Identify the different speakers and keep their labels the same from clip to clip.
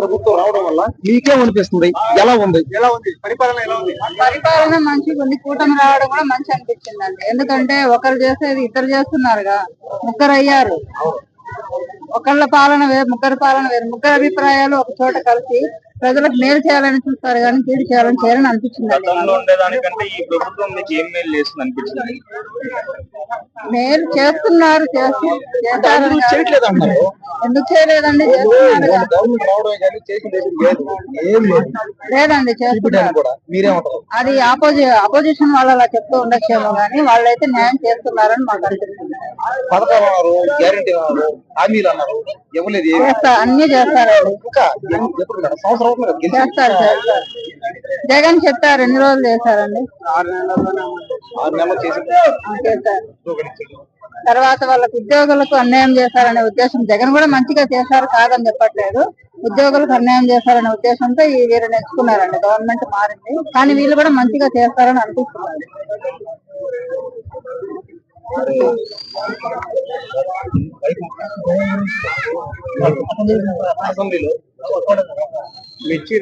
Speaker 1: ప్రభుత్వం రావడం వల్ల మీకేమనిపిస్తుంది? ఎలా ఉంది
Speaker 2: పరిపాలన మంచిగా ఉంది. కూటమి రావడం కూడా మంచి అనిపించిందండి. ఎందుకంటే ఒకరు చేసేది ఇద్దరు చేస్తున్నారుగా, ముగ్గురు అయ్యారు. ఒకళ్ళ పాలన వేరు, ముగ్గురు పాలన వేరు. ముగ్గురు అభిప్రాయాలు ఒక చోట కలిసి ప్రజలకు మేలు చేయాలని చూస్తారు కానీ కీడు చేయాలని అనిపించింది. మేలు చేస్తున్నారు, ఎందుకు చేయలేదండి? లేదండి, చేస్తున్నారు. అది అపోజిషన్ వాళ్ళు అలా చెప్తూ ఉండొచ్చేమో గానీ వాళ్ళైతే న్యాయం చేస్తున్నారని మాకు అనిపిస్తుంది. అన్ని చేస్తారండి. చేస్తారు. జగన్ చెప్పారు, ఎన్ని రోజులు చేశారండి?
Speaker 1: 6 నెలలు
Speaker 2: చేశారు. తర్వాత వాళ్ళకి ఉద్యోగులకు అన్యాయం చేశారనే ఉద్దేశం, జగన్ కూడా మంచిగా చేశారు కాదని చెప్పట్లేదు, ఉద్యోగులకు అన్యాయం చేశారనే ఉద్దేశంతో ఈ వీరు నేర్చుకున్నారండి. గవర్నమెంట్ మారింది కానీ వీళ్ళు కూడా మంచిగా చేస్తారని అనిపిస్తున్నారు.
Speaker 1: అసెంబ్లీలో మిర్చి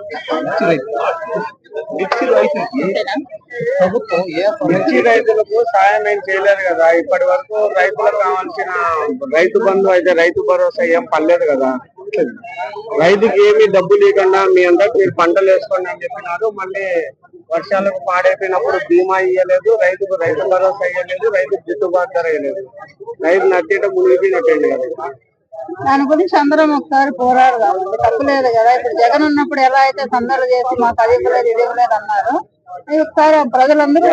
Speaker 1: ప్రభుత్వం మిర్చి రైతులకు సాయం ఏం చేయలేదు కదా. ఇప్పటి వరకు రైతులకు కావాల్సిన రైతు బంధు అయితే రైతు భరోసా ఏం పడలేదు కదా. రైతుకి ఏమి డబ్బు లేకుండా మీ అందరికి మీరు పంటలు వేసుకోండి అని చెప్పినారు. మళ్ళీ వర్షాలకు పాడైపోయినప్పుడు బీమా ఇయ్యలేదు, రైతుకు రైతు భరోసా ఇయ్యలేదు, రైతుకు గిట్టుబాటు ధర ఇయ్యలేదు. రైతు నట్టేట మునిగిపోయినట్టండి కదా.
Speaker 2: దాని గురించి అందరం ఒకసారి పోరాడదాం. తప్పులేదు కదా. ఇప్పుడు జగన్ ఉన్నప్పుడు ఎలా అయితే సందర్లు చేసి మాకు అది ఇవ్వలేదు ఇది ఇవ్వలేదు అన్నారు, ఒకసారి ప్రజలందరూ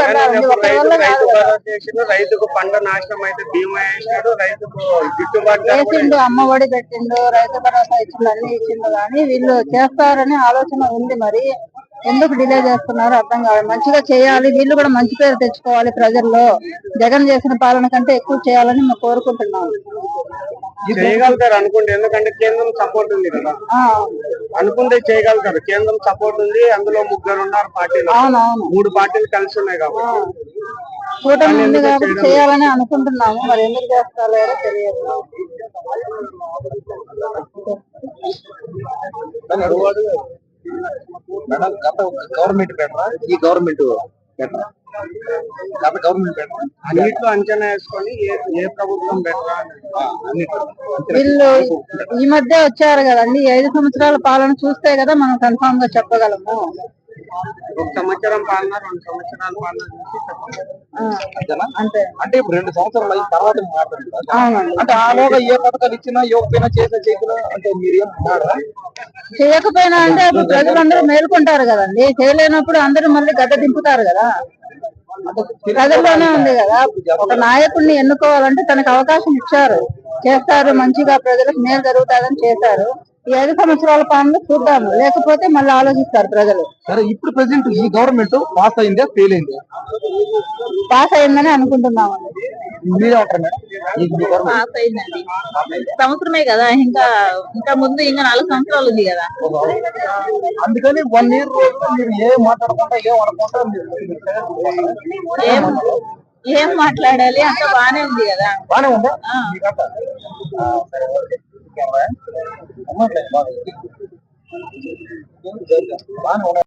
Speaker 1: రైతుకు పంట నాశనం అయితే బీమా వేసినాడు, రైతుకు గిట్టుబాటు
Speaker 2: వేసిండు, అమ్మ ఒడి పెట్టిండు, రైతు భరోసా ఇచ్చిండు, అన్ని ఇచ్చిండు. కానీ వీళ్ళు చేస్తారని ఆలోచన ఉంది. మరి ఎందుకు డిలే చేస్తున్నారు అర్థం కాదు. మంచిగా చేయాలి, వీళ్ళు కూడా మంచి పేరు తెచ్చుకోవాలి ప్రజల్లో. జగన్ చేసిన పాలన కంటే ఎక్కువ చేయాలని మేము కోరుకుంటున్నాము.
Speaker 1: చేయగలుగుతారు అనుకుంటే, ఎందుకంటే కేంద్రం సపోర్ట్ ఉంది కదా. అనుకుంటే చేయగలుగుతారు, కేంద్రం సపోర్ట్ ఉంది. అందులో 3 ఉన్నారు పార్టీలు, 3 పార్టీలు కలిసి ఉన్నాయి కాబట్టి
Speaker 2: కూటమి ఉంది కాబట్టి చేయాలని అనుకుంటున్నాము. మరి ఎందుకు చేస్తారో తెలియదు.
Speaker 1: గవర్నమెంట్ బెటరా, ఈ గవర్నమెంట్ బెటరా? అన్నిట్లో అంచనా వేసుకొని ఏ ప్రభుత్వం బెటరా?
Speaker 2: వీళ్ళు ఈ మధ్య వచ్చారు కదండి, 5 సంవత్సరాల పాలన చూస్తే కదా మనం కన్ఫామ్ గా చెప్పగలము.
Speaker 1: 1 సంవత్సరం పాలన, 2 సంవత్సరాల పాలన అంతే. అంటే ఇప్పుడు 2 సంవత్సరాలు అయిన తర్వాత అంటే ఆలోగా ఏ పథకాలు ఇచ్చినా ఇవ్వకపోయినా చేయకుండా అంటే మీరేం
Speaker 2: చేయకపోయినా అంటే ఇప్పుడు ప్రజలందరూ మేల్కొంటారు కదండి. చేయలేనప్పుడు అందరూ మళ్ళీ గడ్డ దింపుతారు కదా. ప్రజల్లోనే ఉంది కదా. ఒక నాయకుడిని ఎన్నుకోవాలంటే తనకు అవకాశం ఇచ్చారు, చేస్తారు, మంచిగా ప్రజలకు మేలు జరుగుతుందని చేశారు. ఈ 5 సంవత్సరాల పాలన చూద్దాము, లేకపోతే మళ్ళీ ఆలోచిస్తారు ప్రజలు.
Speaker 1: సరే, ఇప్పుడు ప్రెసెంట్ ఈ గవర్నమెంట్ పాస్ అయిందా, ఫెయిల్ అయిందా?
Speaker 2: పాస్ అయిందని అనుకుంటున్నామండి.
Speaker 3: పాస్ అయిందండి. సంవత్సరమే కదా, ఇంకా ముందు ఇంకా 4 సంవత్సరాలు ఉంది కదా.
Speaker 1: అందుకని 1 ఇయర్ మీరు ఏం మాట్లాడకుండా
Speaker 3: ఏం మాట్లాడాలి, అంత బానే ఉంది కదా.
Speaker 1: బానే ఉందా? బానే